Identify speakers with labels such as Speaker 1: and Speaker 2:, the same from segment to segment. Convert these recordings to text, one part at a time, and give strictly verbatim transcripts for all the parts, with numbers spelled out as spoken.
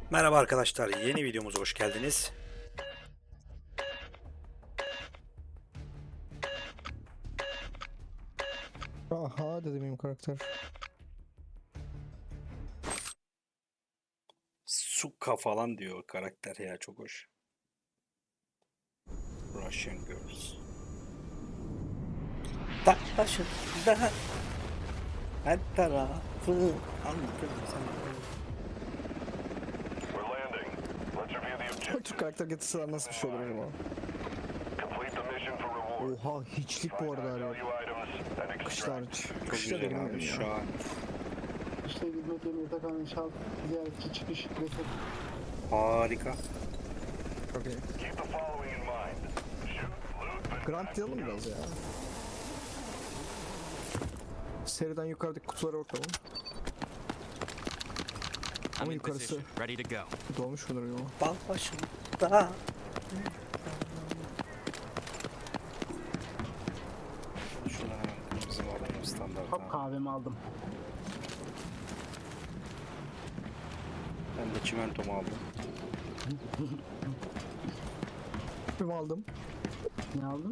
Speaker 1: Merhaba arkadaşlar, yeni videomuza hoş geldiniz.
Speaker 2: Aha dedi benim karakter.
Speaker 1: Suka falan diyor karakter ya, çok hoş. Russian Girls. Dağ başında her tarafı anladım sen.
Speaker 3: We're landing. Let's review the objective.
Speaker 2: Türk karakter getirseler nasıl bir şey olur acaba?
Speaker 3: Complete the mission for reward.
Speaker 2: Oha hiçlik bu arada
Speaker 3: Find
Speaker 2: abi.
Speaker 3: high value items and
Speaker 2: Kışlar
Speaker 3: extract.
Speaker 2: hiç.
Speaker 1: Çok
Speaker 2: Kışlar da
Speaker 1: güzel abi,
Speaker 2: girmiyorum ya.
Speaker 1: şahane.
Speaker 4: İşte hizmet yeri yatakhan inşaat ziyaretçi çıkış reset.
Speaker 1: Harika.
Speaker 2: Çok iyi.
Speaker 3: Keep the following in mind. Shoot, loot, and
Speaker 2: Grant diyelim biraz ya. Seriden yukarıdaki kutulara bakalım.
Speaker 5: I'm
Speaker 2: Ama
Speaker 5: in
Speaker 2: yukarısı
Speaker 5: position, ready to go.
Speaker 2: dolmuş mudur acaba?
Speaker 1: Dağ başında. Şuna kırmızı bağlayalım standart
Speaker 4: Hop
Speaker 1: abi.
Speaker 4: kahvemi aldım.
Speaker 1: Ben de çimentomu aldım.
Speaker 2: Tüpümü aldım.
Speaker 4: Ne aldın?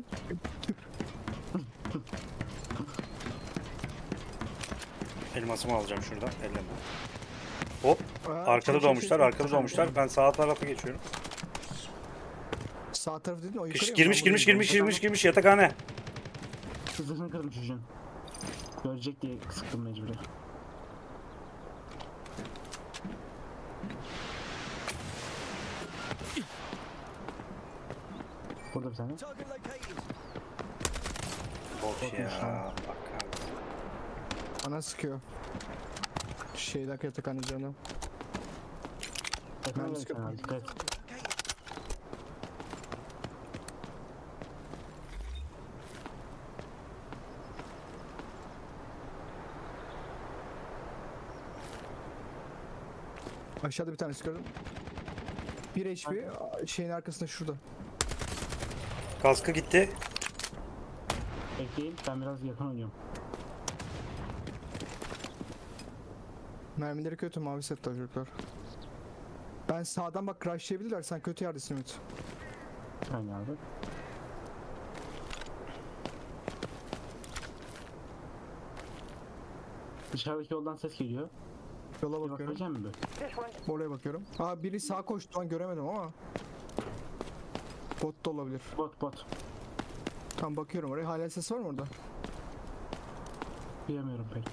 Speaker 1: Elmasımı alacağım şuradan. Elleme. Hop.
Speaker 2: Aa,
Speaker 1: Arkada
Speaker 2: şey, şey,
Speaker 1: doğmuşlar,
Speaker 2: şey.
Speaker 1: arkada doğmuşlar. Ben sağ tarafa geçiyorum.
Speaker 2: Sağ taraf dedin o yukarı
Speaker 1: Kış,
Speaker 2: mı?
Speaker 1: girmiş,
Speaker 2: Ben
Speaker 1: girmiş,
Speaker 2: buradayım.
Speaker 1: girmiş, girmiş, girmiş yatakhane.
Speaker 4: Sızını kırdım çocuğun. Görecek diye sıktım mecburi. Burada bir tane.
Speaker 1: Bok ya.
Speaker 4: lan.
Speaker 1: Bak abi.
Speaker 2: Bana sıkıyor. Şeyden yatakhan canım.
Speaker 4: Efendim
Speaker 2: Ben
Speaker 4: bir tane abi, dikkat et.
Speaker 2: Aşağıda bir tanesi gördüm. bir H P şeyin arkasında şurada.
Speaker 1: Kaskı gitti.
Speaker 4: Bekleyin, ben biraz yakın oynuyorum.
Speaker 2: Mermileri kötü, mavi set çocuklar. Ben sağdan bak crashlayabilirler, sen kötü yerdesin Ümit.
Speaker 4: Bir saniye abi. Dışarıdaki yoldan ses geliyor.
Speaker 2: Yola
Speaker 4: Bir
Speaker 2: bakıyorum,
Speaker 4: bakacağım mı?
Speaker 2: oraya bakıyorum. Aa biri sağa koştu lan, göremedim ama. Bot da olabilir.
Speaker 4: Bot bot.
Speaker 2: Tam bakıyorum oraya, hala ses var mı orada?
Speaker 4: Bilemiyorum pek.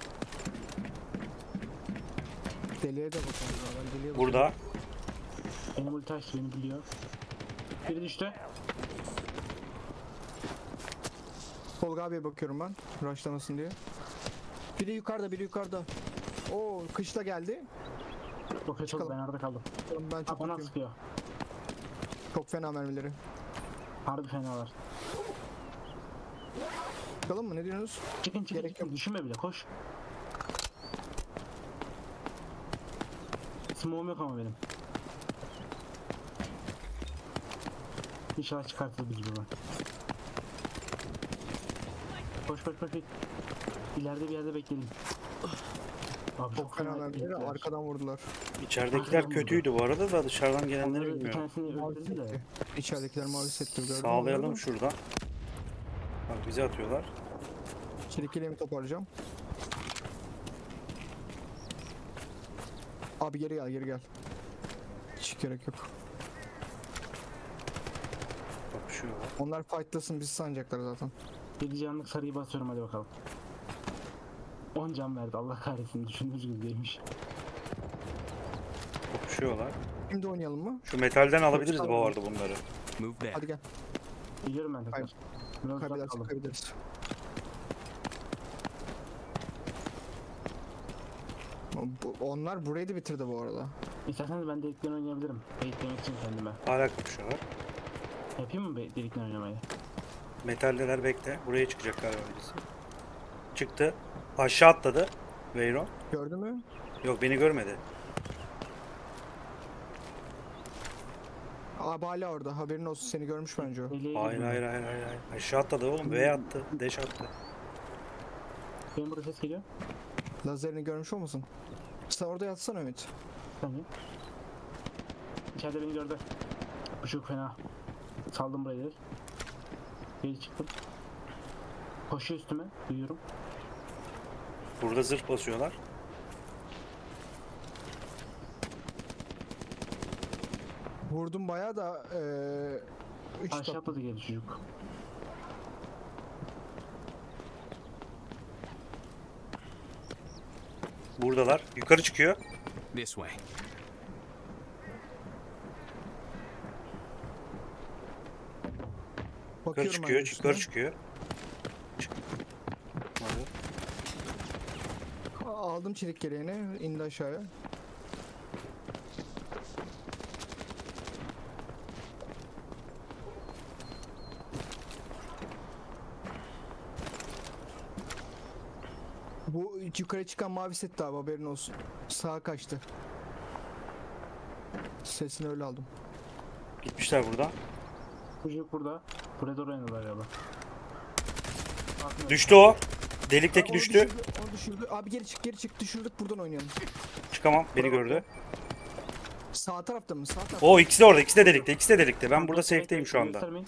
Speaker 2: Deliye de bakalım. ya, Ben deliye bakıyorum.
Speaker 1: Burada.
Speaker 4: Benim ulti açtı, beni biliyor. Biri düştü.
Speaker 2: Tolga abiye bakıyorum ben, rushlamasın diye. Biri yukarıda, biri yukarıda. Oo kışla geldi.
Speaker 4: Yok çok
Speaker 2: Çıkalım.
Speaker 4: ben arada kaldım.
Speaker 2: Ben
Speaker 4: Ha
Speaker 2: çok
Speaker 4: bana
Speaker 2: bakıyorum.
Speaker 4: sıkıyor.
Speaker 2: Çok fena mermileri.
Speaker 4: Harbi fenalar.
Speaker 2: Çıkalım mı, ne diyorsunuz?
Speaker 4: Çıkın çıkın
Speaker 2: Gerek
Speaker 4: çıkın. Düşünme bile koş. Smoke'um yok ama benim. İnşallah çıkartır bir gibi ben. Koş koş koş. koş. İleride bir yerde bekleyelim. Abi
Speaker 2: Çok fena mermileri
Speaker 4: bekliyorlar.
Speaker 2: arkadan vurdular.
Speaker 1: İçeridekiler
Speaker 4: Arkadan
Speaker 1: kötüydü bu arada da dışarıdan gelenleri
Speaker 4: Onları bir
Speaker 1: bilmiyorum.
Speaker 4: tanesini
Speaker 2: Mavi
Speaker 4: öldürdü de.
Speaker 2: setti. İçeridekiler mavi settir, gördün mü?
Speaker 1: Sağlayalım şuradan. Bak bizi atıyorlar.
Speaker 2: Çelikliğimi toparlayacağım. Abi geri gel, geri gel. Hiç gerek yok.
Speaker 1: Bak şu var.
Speaker 2: Onlar fightlasın, bizi sanacaklar zaten.
Speaker 4: yedi canlık sarıyı basıyorum, hadi bakalım. on can verdi, Allah kahretsin, düşündüğünüz gibi değilmiş.
Speaker 1: Kopuşuyorlar.
Speaker 2: Şimdi oynayalım mı?
Speaker 1: Şu metalden alabiliriz
Speaker 2: Tamam.
Speaker 1: bu arada bunları.
Speaker 5: Move there.
Speaker 2: Hadi gel.
Speaker 4: Biliyorum ben tekrar.
Speaker 2: Hayır.
Speaker 4: Biraz uzak
Speaker 2: Kaybedersek
Speaker 4: kaldım.
Speaker 2: kaybederiz. Bu, onlar burayı da bitirdi bu arada.
Speaker 4: İsterseniz ben delikten oynayabilirim. Beklemek için kendime.
Speaker 1: Hala kopuşuyorlar.
Speaker 4: Yapayım mı be- delikten oynamayı?
Speaker 1: Metaldeler bekle. Buraya çıkacak galiba birisi. Çıktı. Aşağı atladı. Veyron.
Speaker 2: Gördün mü?
Speaker 1: Yok, beni görmedi.
Speaker 2: Abi hala orada, haberin olsun, seni görmüş bence o.
Speaker 4: Deliğe
Speaker 1: Hayır
Speaker 4: girdim.
Speaker 1: hayır hayır hayır. hayır. Aşağı atladı oğlum. V attı. Deş attı.
Speaker 4: Benim burada ses geliyor.
Speaker 2: Lazerini görmüş olmasın? Sen orada yatsana Ümit.
Speaker 4: Bir saniye. İçeride beni gördü. Bu çok fena. Saldım burayı direkt. Geri çıktım. Koşuyor üstüme. Duyuyorum.
Speaker 1: Burada zırh basıyorlar.
Speaker 2: Vurdum bayağı da eee üç
Speaker 4: Aşağı
Speaker 2: top.
Speaker 4: atladı geri çocuk.
Speaker 1: Buradalar. Yukarı çıkıyor.
Speaker 5: This way.
Speaker 1: Yukarı
Speaker 2: Bakıyorum
Speaker 1: çıkıyor.
Speaker 2: ben
Speaker 1: Yukarı
Speaker 2: üstüne.
Speaker 1: çıkıyor. Çık. Hadi.
Speaker 2: Aldım çelik geleğini, indi aşağıya. Bu yukarı çıkan mavi set abi, haberin olsun. Sağa kaçtı. Sesini öyle aldım.
Speaker 1: Gitmişler buradan.
Speaker 4: Çocuk burada. Buraya doğru oynadılar galiba. Aklına-
Speaker 1: Düştü o. Delikteki
Speaker 2: Onu
Speaker 1: düştü.
Speaker 2: düşürdü, onu düşürdü. Abi geri çık, geri çık, düşürdük, buradan oynayalım.
Speaker 1: Çıkamam. Beni gördü.
Speaker 2: Sağ tarafta mı? Sağ tarafta.
Speaker 1: O ikisi de orada. İkisi de delikte. İkisi de delikte. Ben burada safe'teyim şu anda.
Speaker 4: Göstermeyin.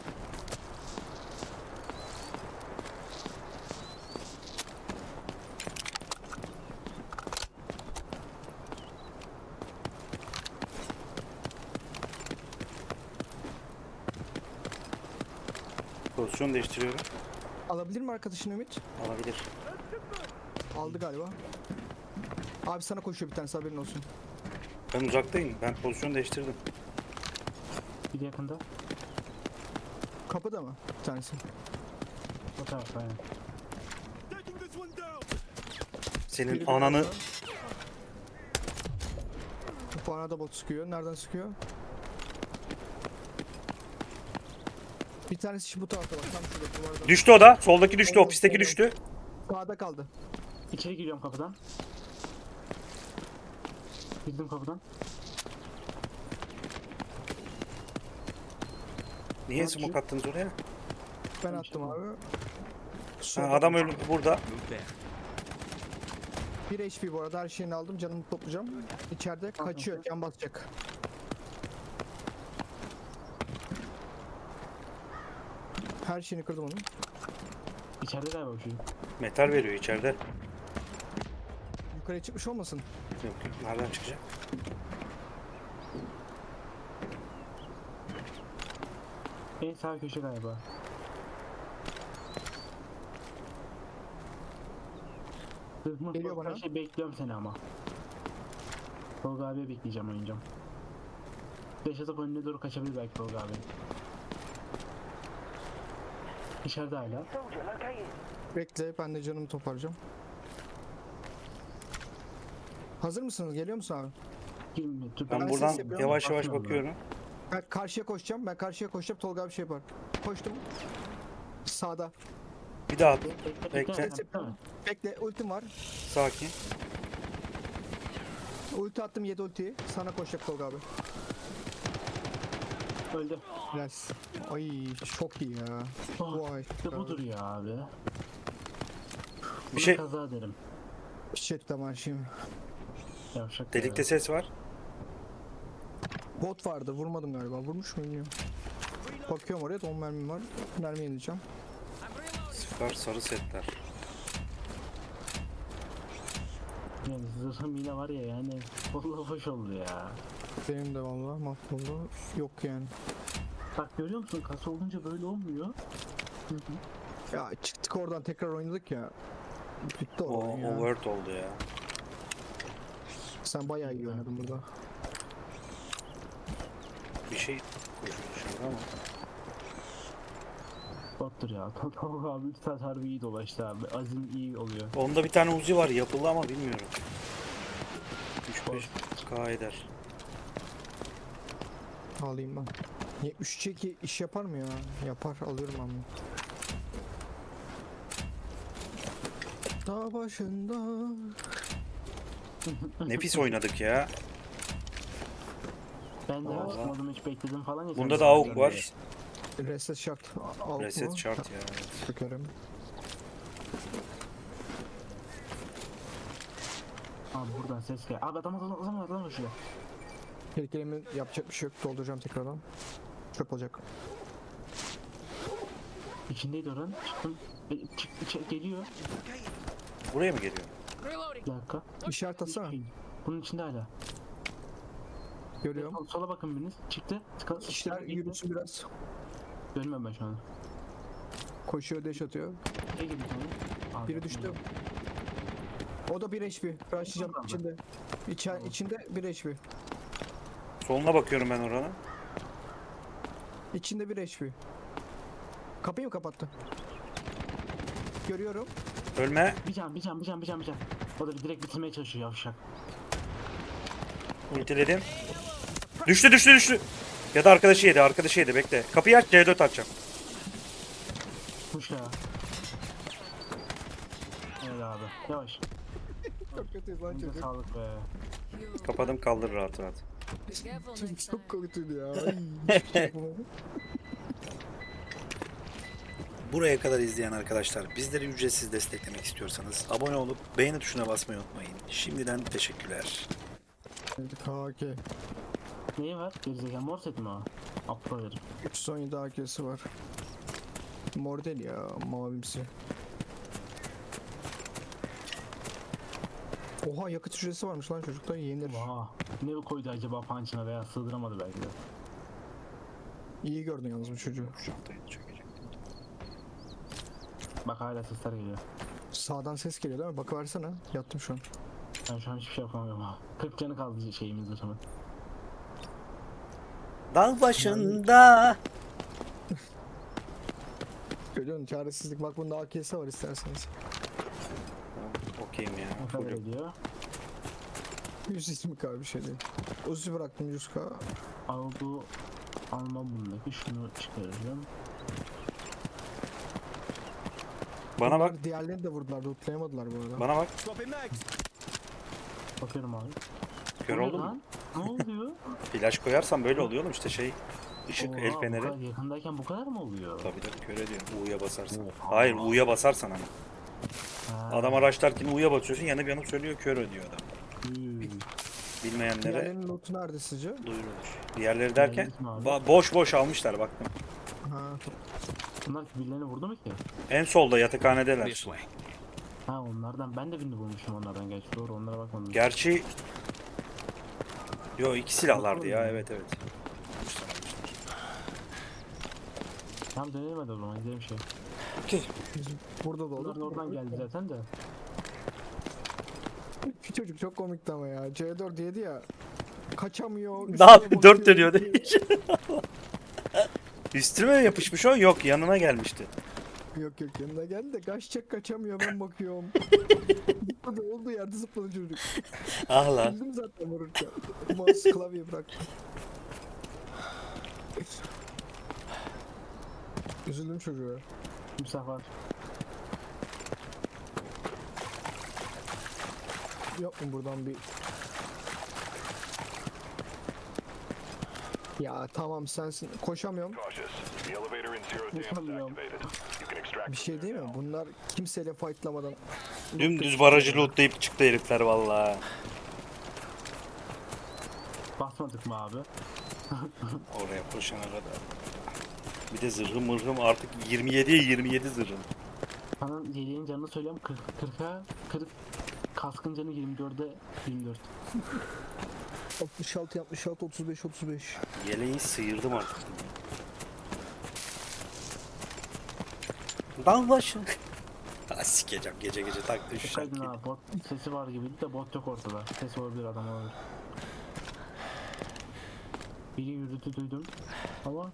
Speaker 1: Pozisyon değiştiriyorum.
Speaker 2: Alabilir mi arkadaşın Ümit?
Speaker 1: Alabilir.
Speaker 2: Aldı galiba. Abi sana koşuyor bir tanesi, haberin olsun.
Speaker 1: Ben uzaktayım. Ben pozisyon değiştirdim.
Speaker 4: Bir de yakında.
Speaker 2: Kapıda mı bir tanesi?
Speaker 4: O tarafta aynen.
Speaker 1: Senin
Speaker 2: Biri
Speaker 1: ananı...
Speaker 2: burada. Bu bana da bot sıkıyor. Nereden sıkıyor? Bir tanesi şu bu tarafta bak. Tam şurada duvarda.
Speaker 1: Düştü o da. Soldaki düştü.
Speaker 2: Oynuyor,
Speaker 1: Ofisteki
Speaker 2: oynuyor.
Speaker 1: düştü.
Speaker 2: Sağda kaldı.
Speaker 4: İçeri giriyorum kapıdan. Girdim kapıdan.
Speaker 1: Niye
Speaker 4: Ne
Speaker 1: smoke
Speaker 4: yapıyor?
Speaker 1: attınız oraya?
Speaker 2: Ben attım abi.
Speaker 1: Ha,
Speaker 2: Solda
Speaker 1: adam
Speaker 2: kaldı.
Speaker 1: öldü burada.
Speaker 5: Move there.
Speaker 2: bir H P bu arada, her şeyini aldım, canımı toplayacağım. İçeride kaçıyor, can basacak. Her şeyini kırdım onun.
Speaker 4: İçeride galiba bu çocuk.
Speaker 1: Metal veriyor içeride.
Speaker 2: Yukarıya çıkmış olmasın?
Speaker 1: Yok yok. Nereden çıkacak?
Speaker 4: En sağ köşe galiba. Hızlı
Speaker 2: Geliyor bana.
Speaker 4: Şey bekliyorum seni ama. Tolga abiye bekleyeceğim, oynayacağım. Beş atıp önüne doğru kaçabilir belki Tolga abi. İçeride hala.
Speaker 2: Bekle, ben de canımı toparlayacağım. Hazır mısınız? Geliyor musun abi?
Speaker 4: Girmiyor. Dur,
Speaker 1: Ben
Speaker 2: Ben
Speaker 1: buradan
Speaker 2: ses yapıyorum.
Speaker 1: yavaş yavaş
Speaker 4: Bakmıyorum
Speaker 1: bakıyorum.
Speaker 2: Ben karşıya koşacağım. Ben karşıya koşacağım. Tolga abi şey yapar. Koştum. Sağda.
Speaker 1: Bir daha
Speaker 4: Bekle, bekle,
Speaker 1: Bekle.
Speaker 4: bekle.
Speaker 2: Ses yapıyorum. Bekle, ultim var.
Speaker 1: sakin.
Speaker 2: Ulti attım, yedi ultiyi. Sana koşacak Tolga abi.
Speaker 4: Öldü.
Speaker 2: Yes. Ay çok iyi ya.
Speaker 4: Oh,
Speaker 2: Vay.
Speaker 4: işte budur ya abi.
Speaker 1: Bir
Speaker 4: Buna
Speaker 1: şey
Speaker 4: kaza derim.
Speaker 2: Shit tamam şimdi.
Speaker 4: Yavşak
Speaker 1: delikte
Speaker 4: ya.
Speaker 1: ses var.
Speaker 2: Bot vardı, vurmadım galiba. Vurmuş muyum bilmiyorum. Bakıyorum oraya, da on mermim var. Mermi yenileceğim.
Speaker 1: Sıfır sarı setler.
Speaker 4: Yani zırhım yine var ya yani. Vallahi hoş oldu ya.
Speaker 2: Benim de vallahi mahvoldu. Yok yani.
Speaker 4: Bak görüyor musun? Kasa olunca böyle olmuyor.
Speaker 2: Ya çıktık oradan, tekrar oynadık ya. Bitti
Speaker 1: O,
Speaker 2: o oyun ya.
Speaker 1: o word oldu ya.
Speaker 2: Sen bayağı iyi oynadın burada.
Speaker 1: Bir şey koşuyor dışarıda ama.
Speaker 4: Bottur ya. Tolga abi üç saat harbi iyi dolaştı abi. Azim iyi oluyor.
Speaker 1: Onda bir tane Uzi var yapıldı ama bilmiyorum. üç beş K eder.
Speaker 2: Alayım ben. yetmiş üç iki iş yapar mı ya? Yapar, alıyorum ben bunu. Dağ başında.
Speaker 1: Nefis oynadık ya.
Speaker 4: Ben de
Speaker 1: Vallahi.
Speaker 4: açmadım hiç bekledim falan ya.
Speaker 1: Bunda
Speaker 4: sen
Speaker 1: da
Speaker 4: de
Speaker 1: AUK
Speaker 4: abi.
Speaker 1: var.
Speaker 2: Reset şart. Al
Speaker 1: Reset
Speaker 2: mu?
Speaker 1: şart ya. Evet.
Speaker 2: Sökerim.
Speaker 4: Abi buradan ses gel. Abi adam adam adam adam adam şurada.
Speaker 2: Tehlikelerimin yapacak bir şey yok. Dolduracağım tekrardan. Çöp olacak.
Speaker 4: İçindeydi oranın. Çıktım. E, çık, içe- geliyor.
Speaker 1: Buraya mı geliyor?
Speaker 4: Bir dakika.
Speaker 2: İşaret atsana.
Speaker 4: Bunun içinde hala.
Speaker 2: Görüyorum.
Speaker 4: Sol- Sola bakın biriniz. Çıktı. Tıka,
Speaker 2: İşler
Speaker 4: gitti.
Speaker 2: yürüsün biraz.
Speaker 4: Görmüyorum ben şu an.
Speaker 2: Koşuyor, deş atıyor.
Speaker 4: Ne gibi tane? Aa,
Speaker 2: Biri düştü. O da bir H P. Rushlayacağım
Speaker 4: Tamam.
Speaker 2: içinde. İçer, içinde bir H P.
Speaker 1: Soluna bakıyorum ben oranın.
Speaker 2: İçinde bir H P. Kapıyı mı kapattı? Görüyorum.
Speaker 1: Ölme.
Speaker 4: Bir can, bir can, bir can, bir can, bir can. O da direkt bitirmeye çalışıyor yavşak.
Speaker 1: Ultiledim. Düştü düştü düştü. Ya da arkadaşı yedi arkadaşı yedi bekle. Kapıyı aç C dört açacağım.
Speaker 4: Kuş ya. Evet abi. Yavaş.
Speaker 2: Çok kötüyüz lan
Speaker 4: Önce
Speaker 2: çocuk.
Speaker 4: sağlık be.
Speaker 1: Kapadım kaldır rahat rahat.
Speaker 2: Çocuk çok kötüydü ya. Ay, hiçbir şey yapamadım.
Speaker 1: Buraya kadar izleyen arkadaşlar bizleri ücretsiz desteklemek istiyorsanız abone olup beğeni tuşuna basmayı unutmayın. Şimdiden teşekkürler.
Speaker 2: K K.
Speaker 4: Neyi var? Gerizekalı mor set mi o? Aptal herif.
Speaker 2: üç yüz on yedi A K'si var. Mor değil ya, mavimsi. Oha, yakıt hücresi varmış lan çocukta, yenir.
Speaker 4: Oha. Ne koydu acaba punch'ına veya sığdıramadı belki de.
Speaker 2: İyi gördün yalnız bu çocuğu.
Speaker 1: Şaftayı çökecektim.
Speaker 4: Bak hala sesler geliyor.
Speaker 2: Sağdan ses geliyor değil mi? Bakıversene. Yattım şu an.
Speaker 4: Ben şu an hiçbir şey yapamıyorum ha. kırk canı kaldı şeyimizde sonra.
Speaker 1: Dağ başında.
Speaker 2: Görüyorsun çaresizlik. Bak bunda A K'si var isterseniz.
Speaker 1: Okeyim ya.
Speaker 4: Ne kadar
Speaker 1: Fullüm.
Speaker 4: ediyor?
Speaker 2: yüz ismi kadar bir şey değil. Uzi bıraktım yüz K.
Speaker 4: Al bu alma bundaki şunu çıkaracağım.
Speaker 1: Bana bak.
Speaker 2: Bunlar diğerlerini de vurdular. Lootlayamadılar bu arada.
Speaker 1: Bana bak.
Speaker 4: Bakıyorum abi.
Speaker 1: Kör
Speaker 4: O ne
Speaker 1: oldun mu?
Speaker 4: lan? Ne oluyor?
Speaker 1: Flash koyarsan böyle oluyor oğlum işte şey. Işık
Speaker 4: Oha,
Speaker 1: el
Speaker 4: bu
Speaker 1: feneri.
Speaker 4: kadar yakındayken bu kadar mı oluyor?
Speaker 1: Tabii tabii kör ediyor. U'ya basarsan.
Speaker 4: Oha.
Speaker 1: Hayır U'ya basarsan ama.
Speaker 4: Ha.
Speaker 1: Adam araçlarken U'ya basıyorsun yanıp yanıp söylüyor kör ödüyor adam.
Speaker 4: Hmm.
Speaker 1: Bilmeyenlere
Speaker 2: Diğerlerinin lootu nerede sizce?
Speaker 1: duyurulur. Diğerleri derken
Speaker 4: Diğerleri kim abi?
Speaker 1: ba- boş boş almışlar baktım.
Speaker 2: Ha.
Speaker 4: Bunlar birilerini vurdu mu ki?
Speaker 1: En solda yatakhanedeler.
Speaker 4: Ha onlardan ben de birini bulmuşum onlardan gerçi doğru onlara bakmadım.
Speaker 1: Gerçi Yo iki silahlardı ya evet evet.
Speaker 4: Tamam dönelim hadi o zaman gidelim şey.
Speaker 2: Burada da
Speaker 4: Bunlar
Speaker 2: olur.
Speaker 4: da oradan geldi zaten de.
Speaker 2: Şu çocuk çok komikti ama ya. C dört yedi ya. Kaçamıyor.
Speaker 1: Ne
Speaker 2: üstüne
Speaker 1: yapıyor? Dört
Speaker 2: bakıyor.
Speaker 1: dönüyor değil mi? Üstüme yapışmış o yok yanına gelmişti.
Speaker 2: Yok yok, yanına geldi de kaçacak, kaçamıyor, ben bakıyorum. Zıpladı, olduğu yerde zıpladı çocuk.
Speaker 1: Ah lan.
Speaker 2: Bildim zaten vururken. Mouse klavyeyi bıraktı. Üzüldüm çocuğa.
Speaker 4: Timsah var.
Speaker 2: Yok mu buradan bir... Ya tamam sensin. Koşamıyorum.
Speaker 3: Cautious. The elevator in zero dam is
Speaker 4: Utanmıyorum.
Speaker 3: activated. You can extract
Speaker 2: Bir şey değil mi? Bunlar kimseyle fightlamadan...
Speaker 1: Dümdüz barajı lootlayıp çıktı herifler vallahi.
Speaker 4: Basmadık mı abi?
Speaker 1: Oraya koşana kadar. Bir de zırhım mırhım artık yirmi yediye yirmi yedi zırhım.
Speaker 4: Sana yediğin canını söylüyorum kırk, kırka kırk kaskın canı yirmi dörde yirmi dört.
Speaker 2: altmış altı altmış altı otuz beş otuz beş.
Speaker 1: Yeleği sıyırdım artık. Dağ başı. Ha sikeceğim gece gece taktı şu
Speaker 4: Dikkaydın
Speaker 1: şarkıyı.
Speaker 4: ha bot sesi var gibiydi de bot yok ortada. Ses olabilir adam olabilir. Biri yürüdü duydum ama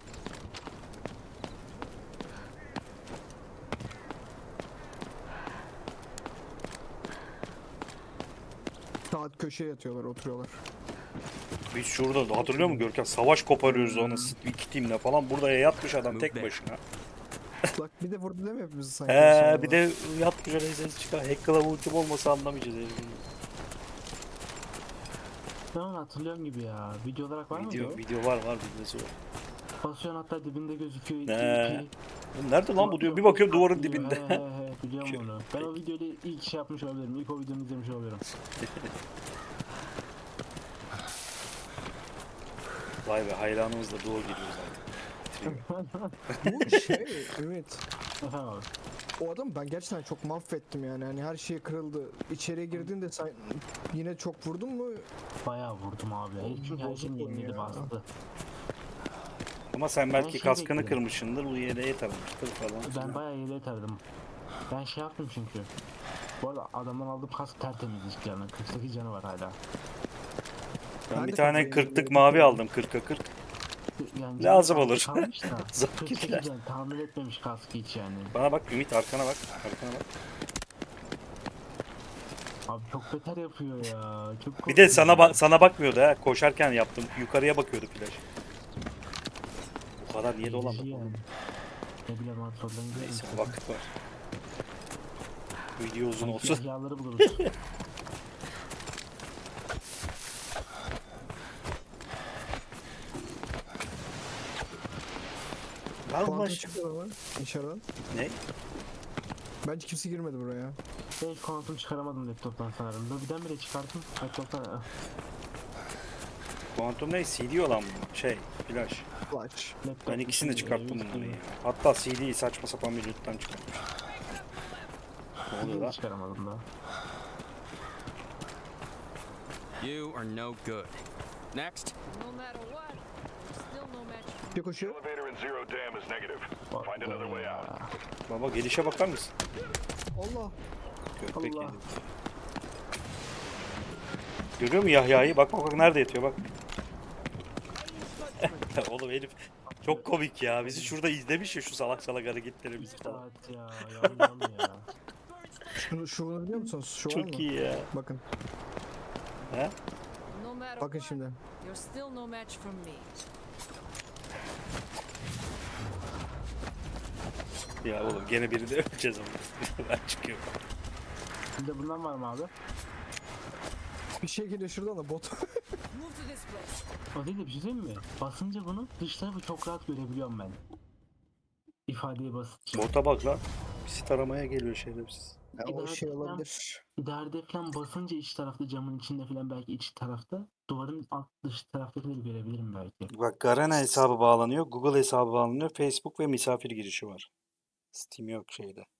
Speaker 2: Saat köşeye yatıyorlar, oturuyorlar.
Speaker 1: Biz şurada hatırlıyor musun Görkem? Savaş koparıyoruz onu iki timle falan. Burada yatmış adam tek başına.
Speaker 2: Bak bir de vurdu değil mi hepimizi sanki?
Speaker 1: He
Speaker 2: Sonra
Speaker 1: bir de yatmış öyle ses çıkar. Hack Club ultim olmasa anlamayacağız herifin.
Speaker 4: ben onu hatırlıyorum gibi ya. Video olarak var mıydı
Speaker 1: Video,
Speaker 4: o?
Speaker 1: video var var videosu var.
Speaker 4: Basıyorsun hatta dibinde gözüküyor. iki,
Speaker 1: He.
Speaker 4: iki.
Speaker 1: Oğlum nerede lan bu diyor. Bir bakıyorum duvarın
Speaker 4: Atlıyor,
Speaker 1: dibinde.
Speaker 4: He he he biliyorum onu. Ben o videoyu ilk şey yapmış olabilirim. İlk o videonu izlemiş olabilirim.
Speaker 1: Vay be hayranımız da doğru gidiyor zaten.
Speaker 2: Bu şey Ümit.
Speaker 4: Efendim abi.
Speaker 2: O adam ben gerçekten çok mahvettim yani. Hani her şey kırıldı. İçeriye girdiğinde sen yine çok vurdun mu?
Speaker 4: Bayağı vurdum abi.
Speaker 2: Oğlum,
Speaker 4: Çünkü her
Speaker 2: bozuk
Speaker 4: şeyim
Speaker 2: oyun
Speaker 4: yeniledi
Speaker 2: ya.
Speaker 4: bastı.
Speaker 1: Ama sen belki
Speaker 4: şey
Speaker 1: kaskını
Speaker 4: bekledim.
Speaker 1: kırmışsındır, bu yeleğe taramıştır falan.
Speaker 4: Ben
Speaker 1: filan.
Speaker 4: bayağı yere tardım. Ben şey yaptım çünkü. Bu arada adamdan aldığım kask tertemiz hiç canı. kırk sekiz canı var hala.
Speaker 1: Ben
Speaker 2: Ben
Speaker 1: bir
Speaker 2: de
Speaker 1: tane
Speaker 2: kazayım,
Speaker 1: kırklık
Speaker 2: böyle
Speaker 1: mavi
Speaker 2: bakıyorum.
Speaker 1: aldım, kırka kırk.
Speaker 4: Yani
Speaker 1: Lazım
Speaker 4: canı
Speaker 1: olur.
Speaker 4: kalmış da,
Speaker 1: Zor
Speaker 4: kırk
Speaker 1: gider.
Speaker 4: sekiz can tahmin etmemiş kaskı hiç yani.
Speaker 1: Bana bak Ümit, arkana bak. Arkana bak.
Speaker 4: Abi çok beter yapıyor ya. Çok
Speaker 1: Bir de
Speaker 4: korkuyorum.
Speaker 1: sana bak sana bakmıyordu ha. Koşarken yaptım. Yukarıya bakıyordu flash. Bu kadar niye
Speaker 4: Eğrici
Speaker 1: dolandık
Speaker 4: yani.
Speaker 1: oğlum?
Speaker 4: Ne bileyim abi sonradan gidelim.
Speaker 1: Neyse vakit var. Video uzun
Speaker 4: Belki
Speaker 1: olsun.
Speaker 4: Yağları buluruz.
Speaker 1: Lan
Speaker 2: Kuantum
Speaker 1: baş-
Speaker 2: çıktı ama içeriden.
Speaker 1: Ne?
Speaker 2: Bence kimse girmedi buraya.
Speaker 4: Ben hiç kuantum çıkaramadım laptoptan sanırım. Lobiden bile çıkarttım. Laptoptan ah,
Speaker 1: Kuantum ne? C D olan mı? Şey, flash.
Speaker 2: Flash.
Speaker 4: laptop
Speaker 1: Ben ikisini de
Speaker 4: için,
Speaker 1: çıkarttım
Speaker 4: e,
Speaker 1: bunları
Speaker 4: üstüne-
Speaker 1: ya. Hatta C D'yi saçma sapan bir loot'tan çıkartmış. Ne oluyor
Speaker 4: Yine
Speaker 1: lan?
Speaker 4: çıkaramadım da.
Speaker 5: You are no good. Next.
Speaker 6: No matter what, there's still no match for me.
Speaker 2: Bir koşuyor.
Speaker 3: Elevator in zero dam is negative.
Speaker 4: Bak
Speaker 3: Find another way
Speaker 4: ya.
Speaker 3: out.
Speaker 1: Baba gelişe bakar mısın?
Speaker 2: Allah.
Speaker 1: Köpek
Speaker 4: Allah.
Speaker 1: yedi. Görüyor musun Yahya'yı? Bak bak bak nerede yatıyor bak. Oğlum herif çok komik ya. Bizi şurada izlemiş ya şu salak salak hareketlerimizi
Speaker 4: Bir
Speaker 1: falan.
Speaker 4: saat ya. Yan yan ya.
Speaker 2: Şunu, şunu biliyor musunuz? Şu var mı?
Speaker 1: Çok iyi ya.
Speaker 2: Bakın.
Speaker 1: He?
Speaker 6: No matter
Speaker 2: Bakın
Speaker 6: what,
Speaker 2: şimdi.
Speaker 6: you're still no match for me.
Speaker 1: Ya oğlum gene birini öleceğiz ama. Ben çıkıyorum.
Speaker 4: Bir de bundan var mı abi?
Speaker 2: Bir şey geliyor şuradan da bot.
Speaker 6: Move to this place.
Speaker 4: O değil de bir şey diyeyim mi? Basınca bunu dış tarafı çok rahat görebiliyorum ben. İfadeye basınca.
Speaker 1: Bota bak lan. Bizi taramaya geliyor şerefsiz.
Speaker 2: Ya, o
Speaker 4: İdarede
Speaker 2: şey
Speaker 4: falan-
Speaker 2: olabilir.
Speaker 4: İdarede falan basınca iç tarafta camın içinde falan belki iç tarafta duvarın alt dış taraftakileri görebilirim belki.
Speaker 1: Bak Garena hesabı bağlanıyor. Google hesabı bağlanıyor. Facebook ve misafir girişi var. Steam yok şeyde.